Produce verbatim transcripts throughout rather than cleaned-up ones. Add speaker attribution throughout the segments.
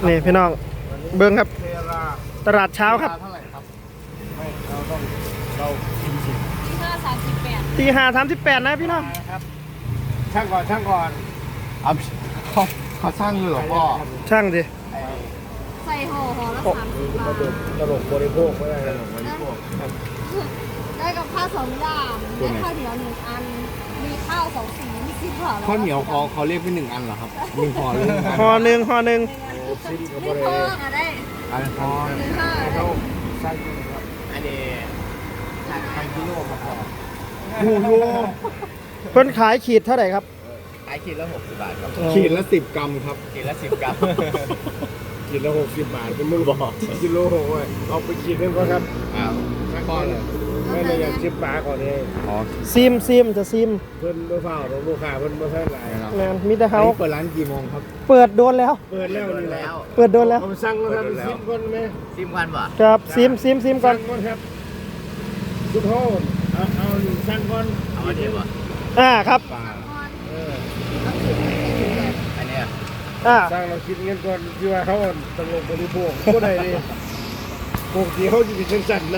Speaker 1: นี่พี่น้องเบิ้งครับตลาดเช้าครับ
Speaker 2: เท่าไหร่ครับไม่เราต้องเราชิมชิม
Speaker 3: ที่ห้าสามสิบแปด
Speaker 1: ตีห้าสามสิบแปดนะพี่น้อง
Speaker 2: ครับช่างก่อนช่างก่อนเอาเขาเขาช่างเลยเหรอพ่อ
Speaker 1: ช่างดิ
Speaker 3: ใส่ห่อห่อละสามสิบบาท
Speaker 2: ตลกบริโภคไม่ได้ตลกบริโภค
Speaker 3: ได้กับข้าวสองอย่างได้ข้าวเหนียวหนึ่งอัน มีข้าวสองสีมีสิบบาท
Speaker 2: ข้าวเหนียวเขาเขาเรียกเป็นหนึ่งอันเหรอครับหนึ่งห่อหรือหนึ่งอัน
Speaker 1: ห่อหนึ่งห่อหนึ่ง
Speaker 3: ไม่พออ่ะได้
Speaker 2: อันห่อ
Speaker 3: หนึ่งห้า
Speaker 2: เขาช่างครับอันนี้ใครกิโลมาพอโอ้โห
Speaker 1: เพิ่นขายขีดเท่าไหร่ครับ
Speaker 4: ขายขีดละหกสิบบาทครับ
Speaker 2: ขีดละสิบกรัมครับ
Speaker 4: ขีดละสิบกรัม
Speaker 2: ขีดละหกสิบบาทเป็นมือบอกกิโลหกเลยเอาไปขีดนึงก่อนครับ
Speaker 4: อ้าว
Speaker 2: พ่อเลยไม่ได้ยังชิมปลาก่อนเลย
Speaker 4: อ๋อ
Speaker 1: ซิมซิมจะซิม
Speaker 2: เพิ่นเมื่อเฝ้าของลูกค้าเพิ่นเมื่อเท่าไหร่ครับ
Speaker 1: แมนมีแต่
Speaker 2: อัน
Speaker 1: เขา
Speaker 2: นี้เปิดร้านกี่โมงครับ
Speaker 1: เปิดโดนแล้ว
Speaker 2: เปิดแล้วนี่แหละ
Speaker 4: แล้ว
Speaker 1: เปิดโดนแล้ว
Speaker 2: ผมสั่งแล้วครับซิมก่อนไหม
Speaker 4: ซิมกันป่ะ
Speaker 1: ครับซิมซิมซิมก่อน
Speaker 2: สั่งก่อนครับทุกโทษเอาเอาสั่งก่อน
Speaker 4: เอาอันนี้ป่ะ
Speaker 1: อ่าครับ
Speaker 2: ปลาเออ
Speaker 4: อันเนี้ย
Speaker 1: อ่า
Speaker 2: สั่งเราคิดเงินก่อนที่ว่าเขาตลกบริโภคก็ได้ดิปกติเขาจะเป็นสั่นๆนะ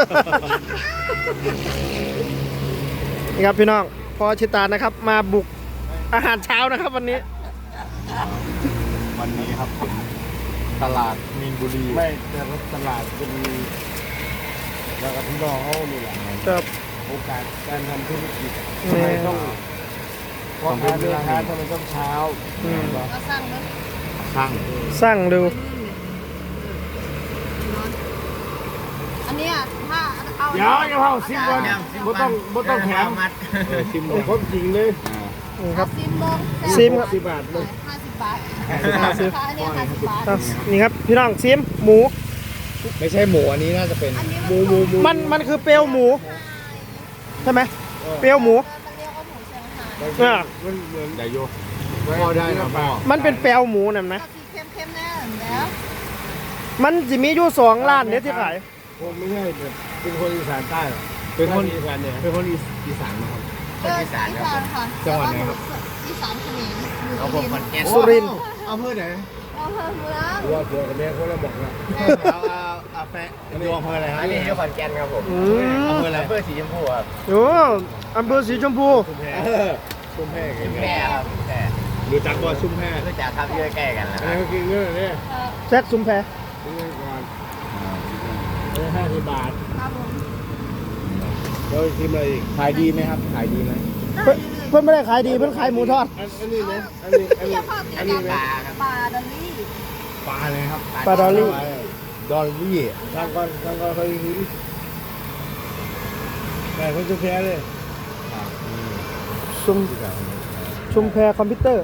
Speaker 1: นี่ครับพี่น้องพอชิตานะครับ มาบุกอาหารเช้านะครับวันนี้
Speaker 2: วันนี้ครับผมตลาดมีนบุรีไม่แต่ว่าตลาดเป็นแล้วกับพี่น้องเขานี่แหละ
Speaker 1: ครับ
Speaker 2: โอกาสการทำธุรกิจ
Speaker 1: อืม
Speaker 2: ทำไมต้องพอค้าเดินค้าทำไมต้องเช้า
Speaker 1: อืม
Speaker 3: ก็สั่งแล้ว
Speaker 2: ช่าง
Speaker 1: สั่งดู
Speaker 3: อันเนี้ยถ้าเอา
Speaker 2: เดี๋ยวอย่าเผาซิมก่อนบ่ต้องบ่ต้องแถม
Speaker 4: มัด
Speaker 2: ซิมเลยครบจริงเลย
Speaker 1: นี่ครับ
Speaker 3: ซิมลง
Speaker 1: ซิมครับ
Speaker 2: สิบบาทเลย
Speaker 3: ห้าสิบบาท
Speaker 1: ห้าสิบ
Speaker 3: อันเนี้ยห้าสิบบาท
Speaker 1: อ่ะนี่ครับพี่น้องซิมหมู
Speaker 4: ไม่ใช่หมูอันนี้น่าจะเป็น
Speaker 3: อันนี้
Speaker 2: หมูหมูหมู
Speaker 1: มันมันคือเปลวหมูใช่ไหมเปลวหมู
Speaker 3: มันเรียกว่าหมูเชียงไฮ้
Speaker 1: อ่า
Speaker 2: มันเหมือน
Speaker 4: เดี๋ยวโย
Speaker 2: พ่อได้นะพ่อ
Speaker 1: มันเป็นเปลวหมูนั่นไหม
Speaker 3: ก็สีเข้มๆแน่แล้ว
Speaker 1: มันจะมีอยู่สองร้านเนี่ยที่ขาย
Speaker 2: ผมไม่ใช่แบบเป็นคนอีสานใต้หรอเป็นคนอีสานเนี่ยเป็นคนอีสานนะครับ
Speaker 3: เอออีสานค่ะ
Speaker 2: จังหวัดไหนครับ
Speaker 3: อีสานเขมรอยู่
Speaker 4: เอาผมขอนแก่น
Speaker 1: สุรินทร์
Speaker 2: เอาเพื่อไหน
Speaker 3: อำเภอเมือง
Speaker 2: ว่าเกี่ยวกับแม่คนละบอกนะ
Speaker 4: เอาเอาเอาแฟะ
Speaker 2: อันนี้อำเภออะไรฮะ
Speaker 4: อันนี้อยู่ขอนแก่นครับผม
Speaker 1: อืม
Speaker 4: อำเภออะไรอำเภอสีชมพูครับ
Speaker 1: โอ้อำเภอสีชมพู
Speaker 2: ชุมแพชุมแพ
Speaker 4: ชุมแพครับชุมแพ
Speaker 2: รู้จักว่าชุมแพ
Speaker 4: รู้จักครับอยู่ใกล้ๆกันนะ
Speaker 2: อัน
Speaker 4: ค
Speaker 2: นี้
Speaker 4: รับ
Speaker 2: ก็กินเงินเนี่ย
Speaker 1: แซกซุมแพ
Speaker 2: กินเงินก่อนเออห้าสิบบาท
Speaker 3: ครับผม
Speaker 2: แล้วชิมอะไรอีกขายดีไหมครับขายดีไหม
Speaker 1: เพิ่นเพิ่นไม่ได้ขายดีเพิ่นขายหมูทอด
Speaker 2: อันอันนี้นะอันนี้อันนี้
Speaker 3: เที่ยวข้าว
Speaker 2: อัน
Speaker 3: เที่
Speaker 2: นี้
Speaker 3: ยว
Speaker 2: นะ
Speaker 3: ปลาดอลลี่
Speaker 2: ปลาเลยครับ
Speaker 1: ปลาดอลลี่
Speaker 2: ดอลลี่ทางก่อนทางก่อนเขาหินแต่คนชุมแพเลย
Speaker 1: ชุมชุมแพคอมพิวเตอร์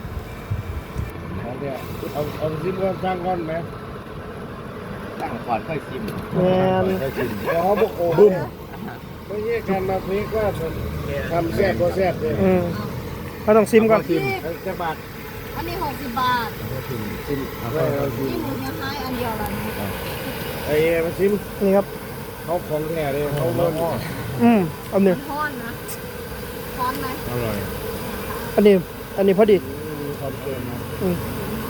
Speaker 2: เอาเอาซิมก่อนทางก่อนไหม
Speaker 4: ตั้งก่อนค่อยชิม
Speaker 1: แมน
Speaker 2: เดี๋ยวเขาบอกโอ้บุ้มไม่ใช่การมาพลิกว่าทำแซ่บก็แซ่บเลย
Speaker 1: อืมเขาต้องซิมก่อน
Speaker 2: ชิมจะบาท
Speaker 3: อันนี้หกสิบบาท
Speaker 2: ชิมชิมเอาไปเอาชิม
Speaker 3: นี่หมูเชียงไฮ้อันเดียวละนี่
Speaker 2: ไอ้มาชิม
Speaker 1: นี่ครับ
Speaker 2: เขาของแท้เลยเขาเริ่ม
Speaker 1: อืมเอาหนึ่ง
Speaker 3: ทอนนะทอนไหม
Speaker 2: อร่อย
Speaker 1: อันนี้อันนี้พอดี
Speaker 2: มีความเค็มนะ
Speaker 1: อืม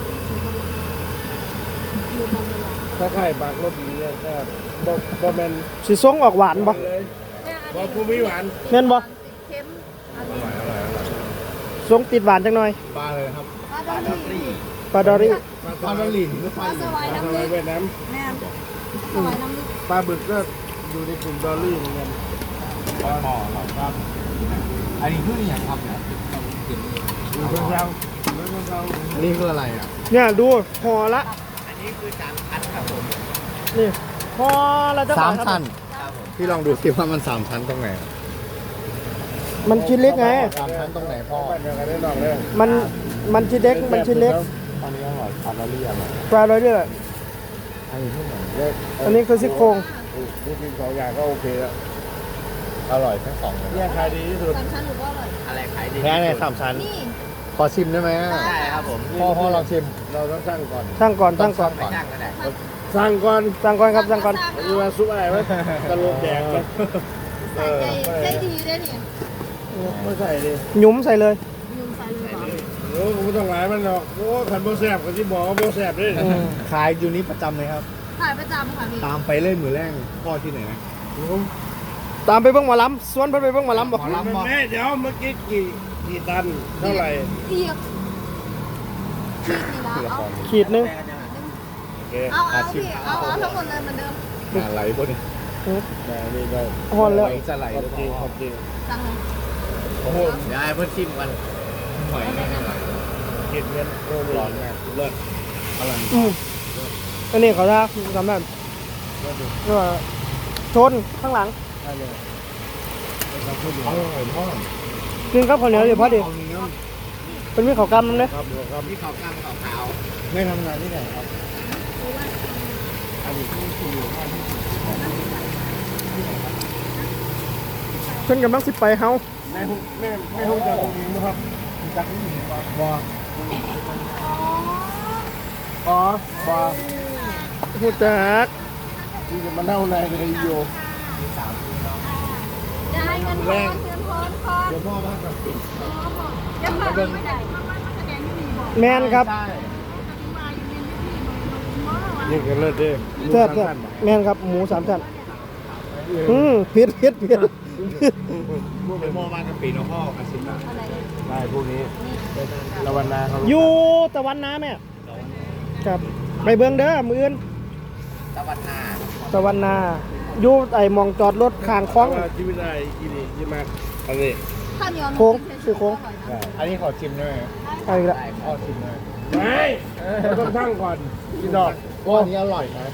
Speaker 3: ดูมันเลย
Speaker 2: ถ้าไข่ปากรสดีเนี่ยถ้าบ่บ่แมน
Speaker 1: สีส้งออกหวานปะ
Speaker 2: เลยบ่ภูมิหวาน
Speaker 1: แม่นปะ
Speaker 3: เค็มอัน
Speaker 2: อ
Speaker 3: นี้
Speaker 2: ร่อยอร่อยอร่อย
Speaker 1: ส้งติดหวานจังหน่อย
Speaker 2: ปลาเลยครับ
Speaker 3: ปลาดอลลี่
Speaker 1: ปลาดอรี่
Speaker 2: ปลาดอลลี่หรือ
Speaker 3: ป
Speaker 2: ป
Speaker 3: ลา
Speaker 2: ลา
Speaker 3: สวาย
Speaker 2: ปลา
Speaker 3: น้ำ
Speaker 2: ส
Speaker 3: ลึ
Speaker 2: วาย
Speaker 3: ก
Speaker 2: เวียดนาม
Speaker 3: แม่สวายน้ำลึก
Speaker 2: ปลาบึกก็อยู่ในกลุ่มดอลลี่เหมือนกัน
Speaker 4: หม้อครับ อันนี้คืออย่างครับเนี่ย
Speaker 2: อยู่เพื่อนเราเพื่อนเรา
Speaker 4: อันนี้คืออะไรอ่ะ
Speaker 1: เนี่ยดูห่อละ
Speaker 4: อันนี้คือสามชั้นครับผม
Speaker 1: นี่ห่อละจะ
Speaker 4: สาม
Speaker 1: บทครับ
Speaker 4: ชั้นพี่ลองดูสิว่ามันสามชั้นตรงไหน
Speaker 1: มันชิ้นเล็กไง
Speaker 4: สามชั้นตรงไหนพ่อ
Speaker 2: บ้านเดียวกันได้หรอกเลย
Speaker 1: มันมันชิ้นเล็กมันชิ้นเล็ก
Speaker 4: อันนี้อร่อยปลาดอลลี่อร่อย
Speaker 1: ปลาดอรี่
Speaker 4: อันนี้ที่ไหน
Speaker 1: อันนี้คือซี่โครง
Speaker 2: พูดถึงสองอย่างก็โอเคแล้ว
Speaker 4: อร่อยทั้งสองเลย
Speaker 2: เนี่ยขายดีที่สุด
Speaker 3: สามชั้นหรือว่าอร่อย
Speaker 4: อะไรขายดี
Speaker 1: แค่ในสามชั้น
Speaker 3: นี่
Speaker 4: ขอชิมได้ไหม
Speaker 3: ได้
Speaker 4: ได้ครับผมพ่อพ่อลองชิม
Speaker 2: เราต้องสั่งก่อน
Speaker 1: ตั้งก่อนตั้งก่อน
Speaker 4: ไม่จ้างก็ได้
Speaker 2: สั่งก่อน
Speaker 1: ตั้งก่อนครับตั้งก่อน
Speaker 2: มีว่าซุปอะไรไหมตะโลกแดงไหม
Speaker 3: ใส่ใจใจดีด้วยเนี่ย
Speaker 2: ไม่ใส่ดิ
Speaker 1: หยุ้มใส่เลย
Speaker 3: ยุงใส่เลยเหรอ
Speaker 2: โอ้ไม่ต้องหลายมันหรอกโอ้ขันโบแสบกับที่บอกว่าโบแสบด้วย
Speaker 1: อืม
Speaker 4: ขายอยู่นี้ประจำเลยครับ
Speaker 3: ถ่ายประจำค่ะพี่
Speaker 4: ตามไปเล่นมือแรงพ่อที่ไหนนะ
Speaker 1: ตามไปเบิ่งหมอลำสวนเพิ่นไปเบิ่งหมอลำบอก
Speaker 4: หมอลำบอก
Speaker 2: แม่เดี๋ยวเมื่อกี้กี่กี่ตันเท่าไหร่
Speaker 3: เอียกขีดนี่ละเอา
Speaker 1: ขีดหนึง
Speaker 2: โอเค
Speaker 3: เอาเอาพี่เอาเอาทั้งหมดเลยเหมือนเดิม
Speaker 4: งานไหลบนนี้
Speaker 2: ได้นี่ได้
Speaker 1: ฮอนแล้ว
Speaker 4: จะไหล
Speaker 2: ขอบจริงขอบจริง
Speaker 3: สั่งเลย
Speaker 2: โอ้โห
Speaker 4: เดี๋ยวไอ้เพื่อนชิมกันหอยไม่ไหล
Speaker 2: เห็ดเงินโอ้โหร้อนมากเลิศ
Speaker 4: อร่อย
Speaker 1: อืมอันนี้เขาจะทำแบบนี่ว่าชนข้างหลัง
Speaker 2: ได้เลยไม่ต้องพูด
Speaker 4: อร่อยพ่อ
Speaker 1: กินข้าวข้าวเหนียวเดี๋ยวพอดีเป็นมีข้าวกำมั้งเนี่ย
Speaker 2: ครับครับ
Speaker 4: นี่เขากล้ามเขาขาวไม่ทำงานที่ไหนครับอันนี้ที่คืออยู่บ้านที่
Speaker 1: เพิ่นกำลังสิไปเฮา
Speaker 2: แม่แม่แม่ห้องจะตรงนี้นะครับ
Speaker 4: จักรนี่ครับ
Speaker 2: บออ๋อ บอ
Speaker 1: ฮู้จัก
Speaker 2: ที่จะมาเล่าในในโย
Speaker 3: จะให้เงินทอนเงินทอนทอน
Speaker 4: เดี๋ยวพ่อบ้านกับปิด
Speaker 3: เดี๋ยวผ่านไม่ได้
Speaker 1: แม่นครับ
Speaker 2: นี่ก็เลิศเด้
Speaker 1: แซ่บแซ่บแม่นครับหมูสามชั้นอืมเผ็ดเผ็ดเผ็ด
Speaker 4: เดี๋ยวพ่อบ้านกับปิดเนาะพ่ออาชิตะ
Speaker 3: อะไรเลย
Speaker 2: ได้พวกนี้ตะวันนาเขา
Speaker 1: อยู่ตะวันนาแม่ครับไปเบิ่งเด้อมื้ออื่น
Speaker 4: ตะวันนา
Speaker 1: ตะวันนาอยู่ไอ้หมองจอดรถข้างคลอง
Speaker 2: ว่าชีวิตได้กินนี่ยี่มากอันนี้
Speaker 3: ข้าวเหนียว
Speaker 1: โค้งคือโค้ง
Speaker 4: อันนี้ขอชิมได้ไหม
Speaker 1: เอาอีกละ
Speaker 4: ได้พ่อชิมได้
Speaker 2: ไม่ต้องทั้งก่อนกินดอก
Speaker 4: พ่อนี้อร่อยนะ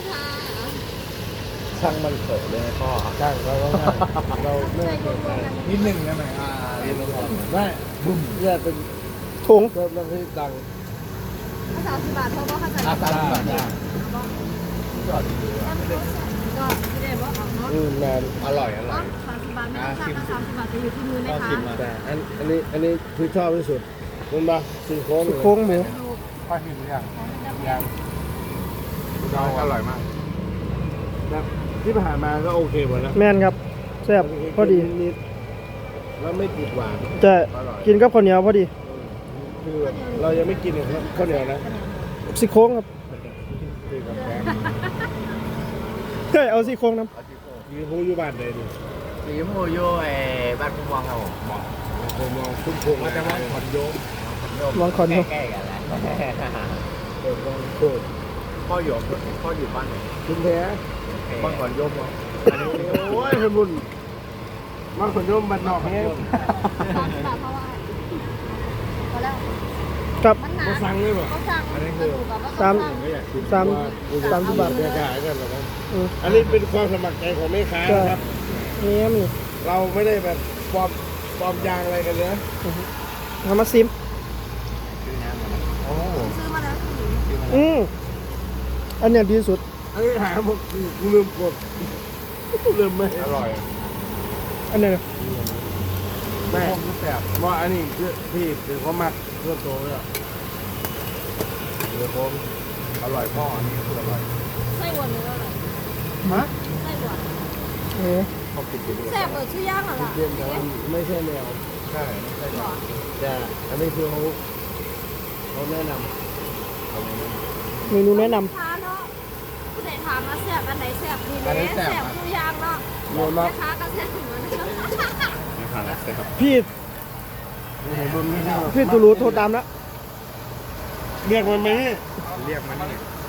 Speaker 4: ช่างมันเถอะเลยนะพ่อ
Speaker 2: ช่างเราต้องเราไม่เกิดใจ
Speaker 4: นิดหนึ่งได้ไหมอ่าเรียนรู้ก่อน
Speaker 2: ไม่บุ้มเนี่ยเป็น
Speaker 1: ถุง
Speaker 2: เริ่มเริ่มที่ดัง
Speaker 3: สามสิบบาทเพราะว่าเขาจะ
Speaker 4: อาสาสมัครได้
Speaker 3: ก็ไม่ได้ว่าเอาเนาะ
Speaker 2: อืมแมน
Speaker 4: อร่อยอร่อย
Speaker 3: สามสิบบาทไม่ต้องค่าสามสิบบาทจะอยู่ที่มือนะคะ
Speaker 2: แต่อันอันนี้อันนี้คือชอบที่สุดคุณปะสี่โค้ง
Speaker 1: ซี่โครงหมู
Speaker 2: ป้าหินหรือยังยัง
Speaker 4: เราอร่อยมาก
Speaker 2: แบบที่ผ่านมาก็โอเคหมดแล้ว
Speaker 1: แม่นครับแซ่บพอดี
Speaker 2: นิดๆแล้วไม่ติดหวาน
Speaker 1: จะกินกับข้าวเหนียวพอดี
Speaker 2: คือเรายังไม่กินเลยครับข้าวเหนียวนะ
Speaker 1: ซี่โครงครับ
Speaker 2: คือกับแกง
Speaker 1: เฮ้ยเอาซี่โครงน้
Speaker 2: ยืนพูอยู่บ้านเลยดิ
Speaker 4: สีโมโยเอบ้านพุ่งวังครับผมบอก
Speaker 2: ผมมองคุ้มคง
Speaker 4: มันจะว่าขอนโยม
Speaker 1: ำลองคอนดู
Speaker 4: แก้ๆกันแหละ
Speaker 2: เออมองโคตร
Speaker 4: พ่ออยู่พ่ออยู่บ้านไหน
Speaker 2: คุณแท้
Speaker 4: บ้านขอนโยมเหรอ
Speaker 2: โอ้ยเพื่อนบุญมาขนยมบันนอกเนี่ย
Speaker 3: สามสิบบาทเพราะว่าพอแล้ว
Speaker 1: ครับ
Speaker 3: มันหนา
Speaker 2: มาสั่งเลยป่ะ
Speaker 3: เขาสั่งมันถูกกับว่า
Speaker 1: สาม
Speaker 3: เขาสั่ง
Speaker 2: ไม่อยากกิน
Speaker 1: สาม
Speaker 2: ว่า
Speaker 1: สามสิบบาท
Speaker 2: แม่ค้ากันหรอกครับ
Speaker 1: อืม
Speaker 2: อันนี้เป็นความสมัครใจของแม่ค้านะครับ
Speaker 1: นี่มี
Speaker 2: เราไม่ได้แบบปลอมปลอมยางอะไรกันเนอะ
Speaker 1: เอามาซิม
Speaker 4: โอ้
Speaker 3: ซื้อมาแล้วสี่
Speaker 1: อืมอันเนี้ยดีสุด
Speaker 2: อันนี้หาผมกูลืมกดลืมไหม
Speaker 4: อร่อย
Speaker 1: อันเนี้ย
Speaker 2: แม่แบบว่าอันนี้คือพี่เป็นความมักเพื่อโตเลยอ่ะเดี๋ยวผม
Speaker 4: อร่อยพ่ออันนี้คืออร่อย
Speaker 3: ไส้หวานหรืออะไร
Speaker 2: ฮะ
Speaker 3: ไส้หวาน
Speaker 1: เออ
Speaker 4: พ่อกินกินด้วย
Speaker 3: แซ่บเปิดชื่อย่างเหรอล่ะ
Speaker 2: เย็นแต่ว่าไม่ใช่แนว
Speaker 4: ใช่ไม่ใช่
Speaker 3: หรอ
Speaker 2: แต่อันนี้คือเขาเขาแนะน
Speaker 1: เมนูแนะน
Speaker 3: ทานเนาะผู้ใดถามมาแซ่บอันไหนแซ่บดีเลยแซ่บชื่อย่างเนาะ
Speaker 2: ำโยนมา
Speaker 3: แม่ค้าก็แซ่บเหมือนกัน
Speaker 4: ไม่ผ่านแล้วครับ
Speaker 1: ำพี่
Speaker 2: เห็นบนไม่ใช่หรอก
Speaker 1: พี่ตูรูโทรตามแล้ว
Speaker 2: เรียกมันไหม
Speaker 4: เรียกมันนี่